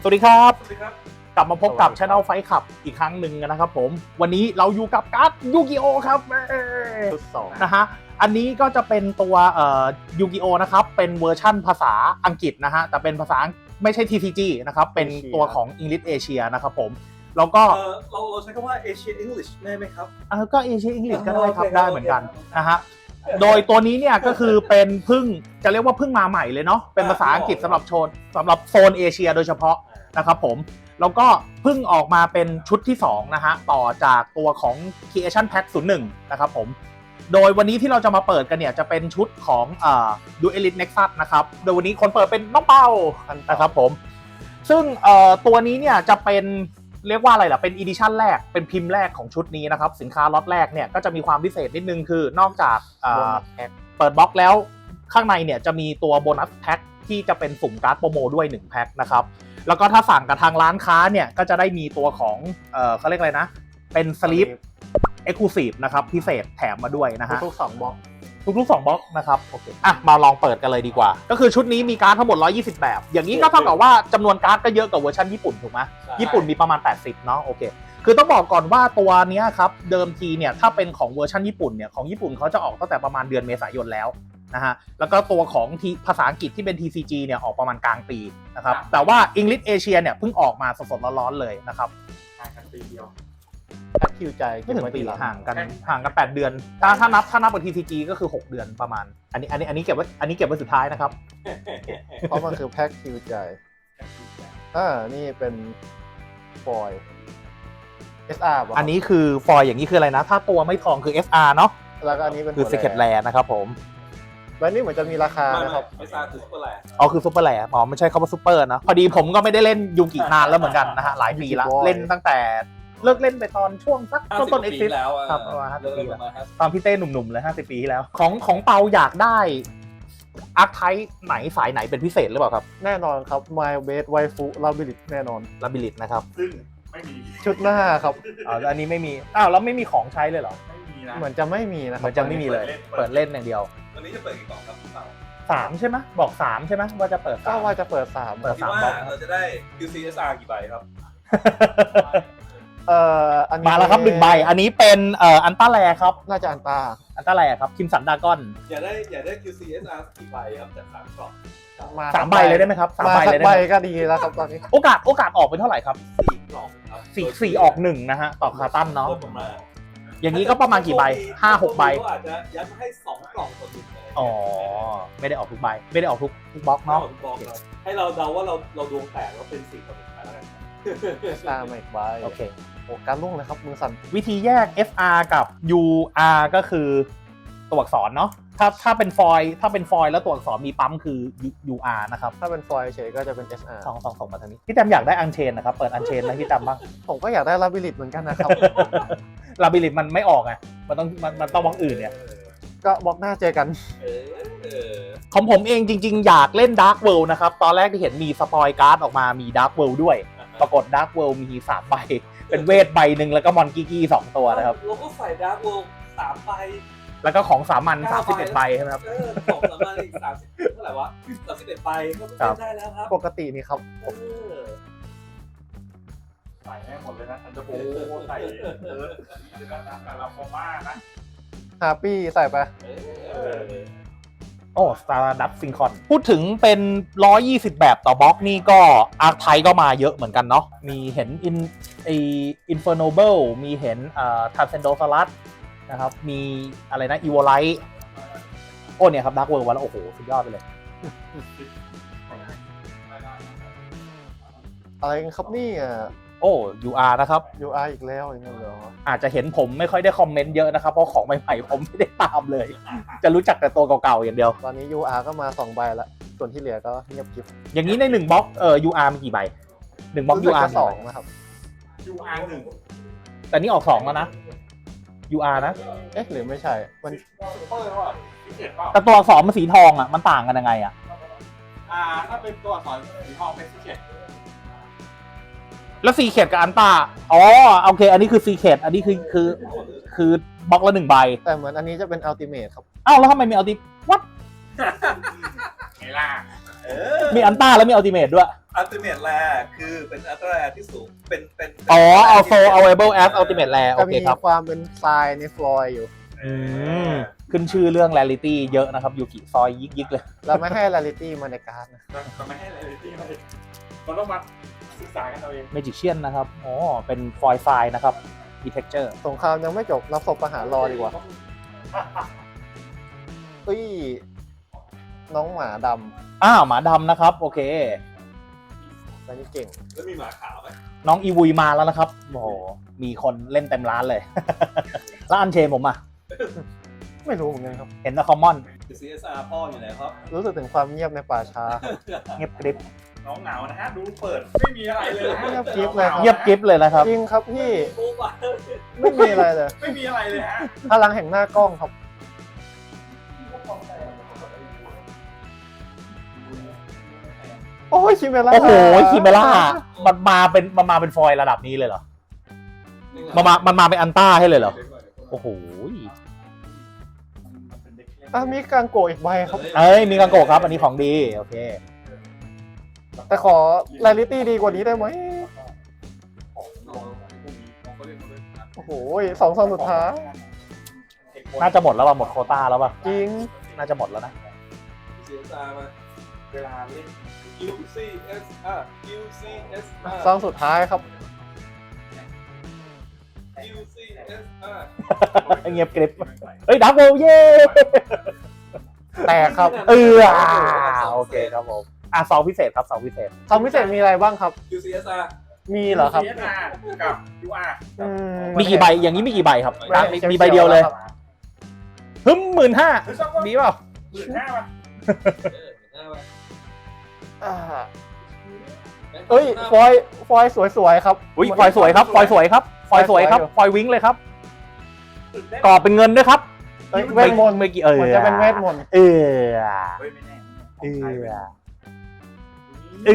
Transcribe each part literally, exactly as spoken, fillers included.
วัสดีครับสวัสดีครับกลับมาพบกับ Channel Fight Club อีกครั้งหนึ่งนะครับผมวันนี้เราอยู่กับการ์ดยูกิโอครับชุดสองนะฮะอันนี้ก็จะเป็นตัวเอ่อยูกิโอนะครับเป็นเวอร์ชั่นภาษาอังกฤษนะฮะแต่เป็นภาษาไม่ใช่ ที ซี จี นะครับเป็นตัวของ English Asia นะครับผมแล้วก็เอ่อเราเราใช้คำว่า Asian English ได้ไหมครับเออก็ Asia English ก็ได้ครับโอเคได้เหมือนกันโอเคนะฮะโดยตัวนี้เนี่ยก็คือเป็นเพึ่งจะเรียกว่าเพึ่งมาใหม่เลยเนาะเป็นภาษาอังกฤษสำหรับโชนสำหรับโซนเอเชียโดยเฉพาะนะครับผมแล้วก็เพิ่งออกมาเป็นชุดที่สองนะฮะต่อจากตัวของ Creation Pack ศูนย์หนึ่งนะครับผมโดยวันนี้ที่เราจะมาเปิดกันเนี่ยจะเป็นชุดของเอ่อ Duelist Nexus นะครับโดยวันนี้คนเปิดเป็นน้องเปานะครับผมซึ่งเอ่อตัวนี้เนี่ยจะเป็นเรียกว่าอะไรล่ะเป็นอีดิชั่นแรกเป็นพิมพ์แรกของชุดนี้นะครับสินค้าล็อตแรกเนี่ยก็จะมีความพิเศษนิดนึงคือนอกจากเอ่อเปิดบล็อกแล้วข้างในเนี่ยจะมีตัวโบนัสแพ็คที่จะเป็นสุ่มการ์ดโปรโมด้วยหนึ่งแพ็คนะครับแล้วก็ถ้าสั่งกับทางร้านค้าเนี่ยก็จะได้มีตัวของเอ่อเขาเรียกอะไรนะเป็นสลิปเอ็กซ์คลูซีฟนะครับพิเศษแถมมาด้วยนะฮะทุกๆสองบล็อกทุกๆสองบล็อกนะครับโอเคอ่ะมาลองเปิดกันเลยดีกว่าก็คือชุดนี้มีการ์ดทั้งหมดหนึ่งร้อยยี่สิบแบบอย่างนี้ก็เท่ากับว่าจำนวนการ์ดก็เยอะกว่าเวอร์ชันญี่ปุ่นถูกไหมญี่ปุ่นมีประมาณแปดสิบเนาะโอเคคือต้องบอกก่อนว่าตัวนี้ครับเดิมทีเนี่ยถ้าเป็นของเวอร์ชันญี่ปุ่นเนี่ยของญี่ปุ่นเขาจะออกตั้งแต่ประมาณเดือนเมษายนแล้วนะฮะแล้วก็ตัวของภาษาอังกฤษที่เป็น ที ซี จี เนี่ยออกประมาณกลางปีนะครับแต่ว่า English Asia เนี่ยเพิ่งออกมาสดๆร้อนๆเลยนะครับห่างกันปีเดียวแพ็คคิวใจไม่ถึงปีเก็บว้ทีหลัห่างกันห่างกันแปดเดือนถ้าถ้านับถ้านับกับ ที ซี จี ก็คือหกเดือนประมาณอันนี้อันนี้อันนี้เก็บไว้อันนี้เก็บไว้สุดท้ายนะครับเพราะมันคือแพ็คคิวใจอ่านี่เป็นฟอยล์ เอส อาร์ ป่ะอันนี้คือฟอยล์อย่างนี้คืออะไรนะถ้าตัวไม่ทองคือ เอส อาร์ เนาะแล้วก็อันนี้เป็นคือ Secret Rare นะครับผมแบรนด์นี้เหมือนจะมีราคานะครับไม่ซาคือซุปเปอร์แลนด์อ๋อคือซุปเปอร์แลอ๋อไม่ใช่คำว่าซุปเปอร์นะพอดีผมก็ไม่ได้เล่นยูกินานแล้วเหมือนกันนะฮะหลายปีแล้วเล่นตั้งแต่เลิกเล่นไปตอนช่วงสักต้นต้นปี Exit แล้วอะครับประมาณห้าสิบปีเริ่มมาห้าสิบตอนพี่เต้หนุ่มๆเลยห้าสิบปีที่แล้วของของเปาอยากได้อาร์คไทป์ไหนสายไหนเป็นพิเศษหรือเปล่าครับแน่นอนครับ My Base Waifu Labyrinth แน่นอนลาบิลิตนะครับซึ่งไม่มีชุดหน้าครับอ๋ออันนี้ไม่มีอ้าวแล้วไม่มีของใช้เลยเหรอไม่มีนะเหมือนจะไม่มีนะคเหรัมือนจะไม่มีเลยเปิดเล่นอย่างเดียววันนี้จะเปิดกี่กล่องครับพี่เปาสามใช่ไหมบอกสามใช่ไหมว่าจะเปิดก็สามว่าจะเปิดสามเปิดคิดสามว่าบล็อกเราจะได้ คิว ซี เอส อาร์ กี่ใบครับเอ่ออันนี้มาแล้วครับหนึ่งใบอันนี้เป็นเอ่ออันต้าแลครับน่าจะอันตาอันต้าแลครับคิมสันดากอนอยากได้อยากได้ คิว ซี เอส อาร์ กี่ใบครับจากสามกล่องสามใบเลยได้ไหมครับสามมาใบสัเลกยได้ใบไหมก็ดีแล้วครับตอนนี้โอกาสโอกาสออกเป็นเท่าไหร่ครับสี่กล่องครับสี่สี่ออกหนึ่งนะฮะต่อคาตันเนาะโดยประมาณอย่างนี้ก็ประมาณกี่ใบห้าหกใบก็อาจจะยัดมาให้สองกล่องต่อหนึ่งอะไรอย่างเงี้ยอ๋อไม่ได้ออกทุกใบไม่ได้ออกทุกทุกบล็อกเนาะเนาะบอกเราให้เราเดาว่าเราเราดวงแตกแล้วเป็นสี่ต่อหนึ่งไปแล้วกันตามอีกใบโอเคโอ้การลุ่งเลยครับมือสั่นวิธีแยก เอฟ อาร์ กับ ยู อาร์ ก็คือตัวอักษรเนาะถ้าถ้าเป็นฟอยล์ถ้าเป็นฟอยล์แล้วตัวอักษรมีปั๊มคือ ยู อาร์ นะครับถ้าเป็นฟอยล์เฉยก็จะเป็น เอส อาร์สองสองสองมาทางนี้พี่แตมอยากได้อันเชนนะครับเปิดอันเชนไหมพี่แตมบ้างผมก็อยากได้ลาบิลิตเหมือนกันนะครับลาบิลิตมันไม่ออกไงมันต้องมันมันต้องบล็อกอื่นเนี่ยเออก็บล็อกหน้าเจอกันเออเออของผมเองจริงๆ อยากเล่น Dark World นะครับ ตอนแรกที่เห็นมีสปอยการ์ดออกมามี Dark World ด้วย ปรากฏ Dark World มีสามใบ เป็นเวทใบหนึ่งแล้วก็มอนกิกี้สองตัวนะครับเราก็ใส่ดาร์กเวิลด์สามใบแล้วก็ของสามัญสามสิบเอ็ดใบใช่ไหมครับเออสองสามใบอีกสามสิบเท่าไหร่วะสามสิบเอ็ดใบก็ครัเล่บนได้แล้วครับปกตินี่ครับเออใส่ให้หมดเลยนะอันเดอร์โบใส่เออแต่เราโคม่านะฮาปี้ใส่ไปเออโอ้ Stardust Syncon พูดถึงเป็น หนึ่งร้อยยี่สิบ แบบต่อบล็อกนี่ก็อาร์คไทก็มาเยอะเหมือนกันเนาะ มีเห็น In ไอ Infernoble มีเห็นเอ่อ Transcendosaurus นะครับ มีอะไรนะ Evolite โอ้เนี่ยครับ Dark World วันแล้วโอ้โห สุดยอดไปเลยอะไรกันครับนี่อ่ะโอ้ ยู อาร์ นะครับยู อาร์ อีกแล้วอย่างเงี้ยเหรออาจจะเห็นผมไม่ค่อยได้คอมเมนต์เยอะนะครับ เพราะของใหม่ๆผมไม่ได้ตามเลย จะรู้จักแต่ตัวเก่าๆอย่างเดียวตอนนี้ ยู อาร์ ก็มาสองใบละส่วนที่เหลือก็เงียบกริบอย่างนี้ในหนึ่งบล็อกเอ่อ ยู อาร์ มีกี่ใบหนึ่งบล็อกรู้ยูสึกอาร์จะสองนะครับยูอาร์หนึ่งแต่นี่ออกสองแล้วนะ ยู อาร์ นะเอ๊ะหรือไม่ใช่มันซุปเปอร์ว่าพิเศษเปล่าแต่ตัวอักษรมันสีทองอ่ะ มันต่างกันยังไงอ่ะอ่าถ้าเป็นตัวอักษรสีทองเป็นพิเศษแล้วซีเคดกับอันตาอ๋อ โอเค อันนี้คือซีเคดอันนี้คือคือคือบล็อกละหนึ่งใบแต่เหมือนอันนี้จะเป็นอัลติเมทครับอ้าวแล้วทำไมมีอัลติวัดไงล่ะเออมีอันตาแล้วมีอัลติเมทด้วย ultimateแรคือเป็นอัลตร้าแรที่สูงเป็นเป็นเป็นอ๋อ also available as ultimate rare โอจะเคมีครับความเป็นทรายในฟลอยด์อยู่อืมขึ้นชื่อเรื่อง rarity เยอะนะครับยูกิซอยยิกๆเลยเราไม่ให้ rarity มาในการ์ดนะจะไม่ให้อะไรที่มันมันต้องมาศึกษากันเอาเอง magician นะครับอ๋อเป็นฟอยล์ไฟล์นะครับ มี texture สงครามยังไม่จบเราศพประหารรอดีกว่าเอ้ยน้องหมาดอ้าวหมาดำนะครับ โอเคำอันนี้เก่งแล้วมีหมาขาวไหมน้องอีวุยมาแล้วนะครับโอ้โหมีคนเล่นเต็มร้านเลย แล้วอันเชนผมอ่ะไม่รู้เหมือนกันครับเห็นแต่คอมมอนซี เอส อาร์ พ่ออยู่ไหนครับรู้สึกถึงความเงียบในป่าช้าเงียบกริบน้องเหงานะฮะดูเปิดไม่มีอะไรเลยนะเงียบกริบเลยเงียบกริบเลยนะครับจริงครับพี่ปุ๊บอะไม่มีอะไรเลยไม่มีอะไรเลยฮะพลังแห่งหน้ากล้องครับ โอ้ยคิเมล่าโอ้โหคิเมล่ามันมาเป็นมันมาเป็นฟอยล์ระดับนี้เลยเหรอมันมามันมาเป็นอันต้าให้เลยเหรอโอ้โหอ่ะมีกังโกะอีกใบครับเอ้ยมีกังโกะครับ อันนี้ของดีโอเคแต่ขอ rarity ดีกว่านี้ได้ไหมโอ้โหสองซองสุดท้ายน่าจะหมดแล้วป่ะหมดโควต้าแล้วป่ะจริงน่าจะหมดแล้วนะซี เอส อาร์ มาเวลาเล่นยู ซี เอส อาร์ ยู ซี เอส อาร์ซองสุดท้ายครับยู ซี เอส อาร์เงียบกริบเฮ้ยดับเบิลเย้แตกครับเออโอเคครับผมอ่ะสองพิเศษครับสองพิเศษซองพิเศษมีอะไรบ้างครับยู ซี เอส อาร์มีเหรอครับซี เอส อาร์ กับ ยู อาร์อืมีกี่ใบอย่างนี้มีกี่ใบครับใบมีมีใบเดียวเลยฮึมหมื่นห้าหรือสักว่าดีเปล่าหมื่นห้าป่ะอ่าเอ้ยฟอยล์ฟอยล์สวยๆครับอุ้ยฟอยสวยครับฟอยสวยครับฟอยสวยครับฟอยวิ้งเลยครับตื่นเต้นกรอบเป็นเงินด้วยครับเอ้ยเวทมนต์เมื่อกี้เออเหมือนจะเป็นเวทมนต์เออเฮ้ยไม่แน่เออเอ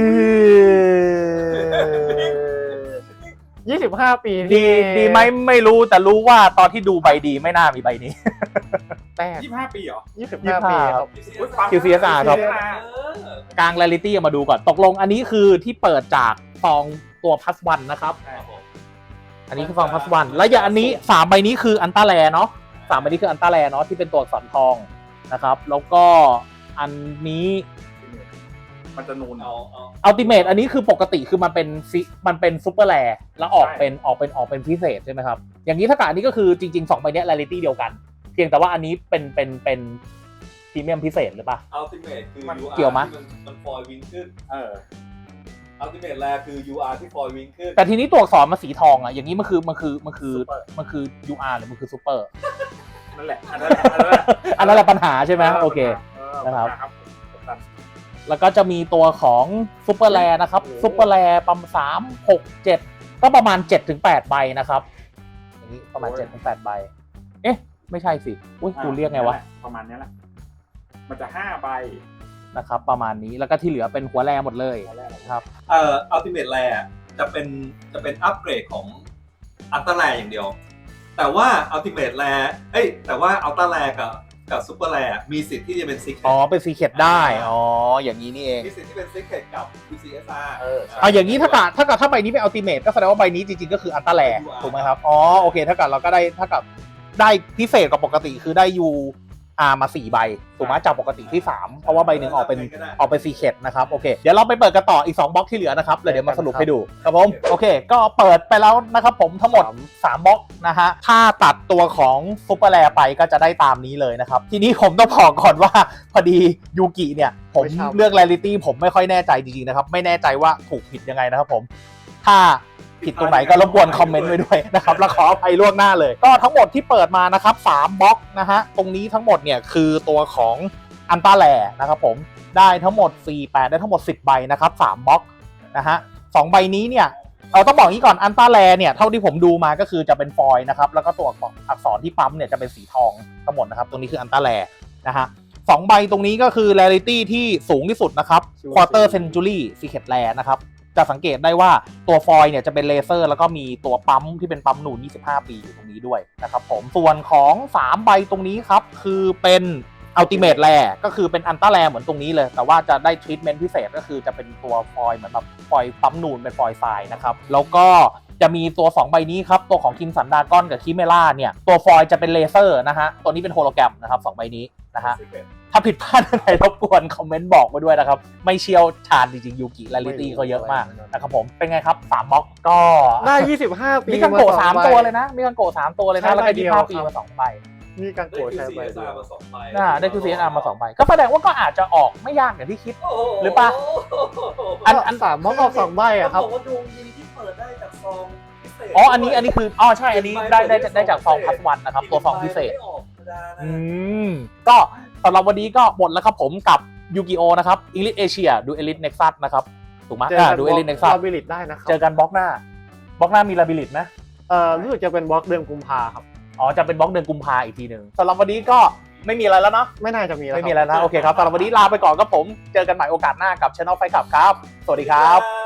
อยี่สิบห้าปีดีที่ดีไหมไม่รู้แต่รู้ว่าตอนที่ดูใบดีไม่น่ามีใบนี้แตกยี่สิบห้าปีเหรอยี่สิบห้าปีครับคิว ซี เอส อาร์ ครับ กลาง r ร r ลิตี้มาดูก่อนตกลงอันนี้คือที่เปิดจากซองตัวพัสวันนะครับ อันนี้คือซองพัสวันแล้วอย่างอันนี้สามใบนี้คืออันต้าแลเนาะสามใบนี้คืออันต้าแลเนาะที่เป็นตัวอักษรทองนะครับ แล้วก็อันนี้มันจะนูนเอาเอาอัลติเมทอันนี้คือปกติคือมันเป็นซิมันเป็นซูเปอร์แลแล้วออกเป็นออกเป็นออกเป็นพิเศษใช่ไหมครับ อย่างนี้ถ้าเกิดอันนี้ก็คือจริงๆสองใบเนี้ย r ร r ลิตี้เดียวกัน เพียงแต่ว่าอันนี้เป็นเป็นเป็นพรีเมียมพิเศษหรือเปล่าอัลติเมทคือมันยู อาร์เกี่ยวมั้ยที่มันมันฟอยวิงขึ้นเอออัลติเมทแรคือ ยู อาร์ ที่ฟอยวิงขึ้นแต่ทีนี้ตัวอักษรมาสีทองอ่ะอย่างนี้มันคือมันคือมันคือมันคือ ยู อาร์ หรือมันคือซูเปอร์นั่นแหละอันนั้นแหละอันนั้นแหละอันนั้นแหละปัญหาใช่ไหมโอเค นะครับ แล้วก็จะมีตัวของซูเปอร์แลนะครับซูเปอร์แลประมาณสามหกเจ็ดก็ประมาณเจ็ดถึงแปดใบนะครับอย่างนี้ประมาณเจ็ดถึงแปดใบเอ๊ะไม่ใช่สิอุ้ยกูเรียกไงวะประมาณนี้แหละมันจะห้าใบนะครับประมาณนี้แล้วก็ที่เหลือเป็นหัวแลหมดเลยนะครับเอ่ออัลติเมทแรจะเป็นจะเป็นอัปเกรดของอัลตร้าแรอย่างเดียว แต่ว่าอัลติเมทแรเอ้ยแต่ว่าอัลตร้าแรกับกับซูเปอร์แรมีสิทธิ์ที่จะเป็นซิกอ๋อเป็นซีเคทได้อ๋ออย่างนี้นี่เองมีสิทธิ์ที่เป็นซิกเกตกับ ยู ซี เอส อาร์เอออ่ะอย่างนี้ถ้าเกิดถ้าเกิดถ้าใบนี้เป็นอัลติเมทก็แสดงว่าใบนี้จริงๆก็คืออัลตร้าแลถูกไหมครับอ๋อโอเคถ้าเกิดเราก็ได้ถ้าเกิดได้พิเศษกว่าปกติคือได้ยูอาร์มาสี่ใบถูกไหมจากปกติที่สามเพราะว่าใบหนึ่งออกเป็นออกเป็นซีเคทนะครับโอเคเดี๋ยวเราไปเปิดกันต่ออีกสองบล็อกที่เหลือนะครับแล้วเดี๋ยวมาสรุปให้ดูครับผมโอเคก็เปิดไปแล้วนะครับผมทั้งหมดสามบล็อกนะฮะถ้าตัดตัวของซุปเปอร์แลไปก็จะได้ตามนี้เลยนะครับทีนี้ผมต้องบอกก่อนว่าพอดียูกิเนี่ยผมเรื่อง rarity ผมไม่ค่อยแน่ใจจริงๆนะครับไม่แน่ใจว่าถูกผิดยังไงนะครับผมถ้าผิดตรงไหนก็รบกวนคอมเมนต์ไว้ด้วยนะครับแล้วขออภัยล่วงหน้าเลยก็ทั้งหมดที่เปิดมานะครับสามบล็อกนะฮะตรงนี้ทั้งหมดเนี่ยคือตัวของอันต้าแลนะครับผมได้ทั้งหมดสี่ แปดได้ทั้งหมดสิบใบนะครับสามบล็อกนะฮะสองใบนี้เนี่ยเราต้องบอกนี้ก่อนอันต้าแลเนี่ยเท่าที่ผมดูมาก็คือจะเป็นฟอยล์นะครับแล้วก็ตัวอักษรที่ปั๊มเนี่ยจะเป็นสีทองทั้งหมดนะครับตรงนี้คืออันต้าแลนะฮะสองใบตรงนี้ก็คือ rarity ที่สูงที่สุดนะครับ quarter century secret rare นะครับจะสังเกตได้ว่าตัวฟอยล์เนี่ยจะเป็นเลเซอร์แล้วก็มีตัวปั๊มที่เป็นปั๊มหนูนยี่สิบห้าปีอยู่ตรงนี้ด้วยนะครับผมส่วนของสามใบตรงนี้ครับคือเป็นอัลติเมทแรก็คือเป็นอันต้าแรเหมือนตรงนี้เลยแต่ว่าจะได้ทรีทเมนต์พิเศษก็คือจะเป็นตัวฟอยล์เหมือนแบบฟอยล์ปั๊มนูนเป็นฟอยล์ทรายนะครับแล้วก็จะมีตัวสองใบนี้ครับตัวของคิมสันดากอนกับคิเมล่าเนี่ยตัวฟอยล์จะเป็นเลเซอร์นะฮะตัวนี้เป็นโฮโลแกรมนะครับสองใบนี้นะฮะถ้าผิดพลาดอะไรรบกวนคอมเมนต์บอกมาด้วยนะครับไม่เชี่ยวชาญจริงๆยูกิและลิตี้เขาเยอะมากนะครับผมเป็นไงครับสามบล็อกก็ได้ยี่สิบห้าปีมีกังโกะสองสามใบตัวเลยนะมีกังโกะสามตัวเลยนะแล้วก็ยี่สิบห้าปีมาสองใบมีกังโกะใช้ใบได้เดียวมาสองใบน่าได้คือ ซี เอส อาร์ มาสองใบก็แสดงว่าก็อาจจะออกไม่ยากอย่างที่คิดโโหรือปะอันอันสามบล็อกออกสองใบอะครับเขาบอกว่าดวงดีที่เปิดได้จากซองพิเศษอ๋ออันนี้อันนี้คืออ๋อใช่อันนี้ได้ได้ได้จากซองพัสวันนะครับตัวซองพิเศษไม่ออกธรรมดานะอืมก็สำหรับวันนี้ก็หมดแล้วครับผมกับยูกิโอนะครับอิงลิชเอเชียดูเอลิทเน็กซัสนะครับถูกไหมเจออ่ากันดูเอลิทเน็กซัสลาบิลิตได้นะครับเจอกันบล็อกหน้าบล็อกหน้ามีลาบิลิตไหมเอ่อรู้สึกจะเป็นบล็อกเดือนกุมภาครับอ๋อจะเป็นบล็อกเดือนกุมภาอีกทีหนึ่งสำหรับวันนี้ก็ไม่มีอะไรแล้วเนาะไม่น่าจะมีแล้วไม่คมีรับอะไรนะโอเคครับสำหรับวันนี้ลาไปก่อนครับผมเจอกันใหม่โอกาสหน้ากับ Channel Fight Club ครับสวัสดีครับบ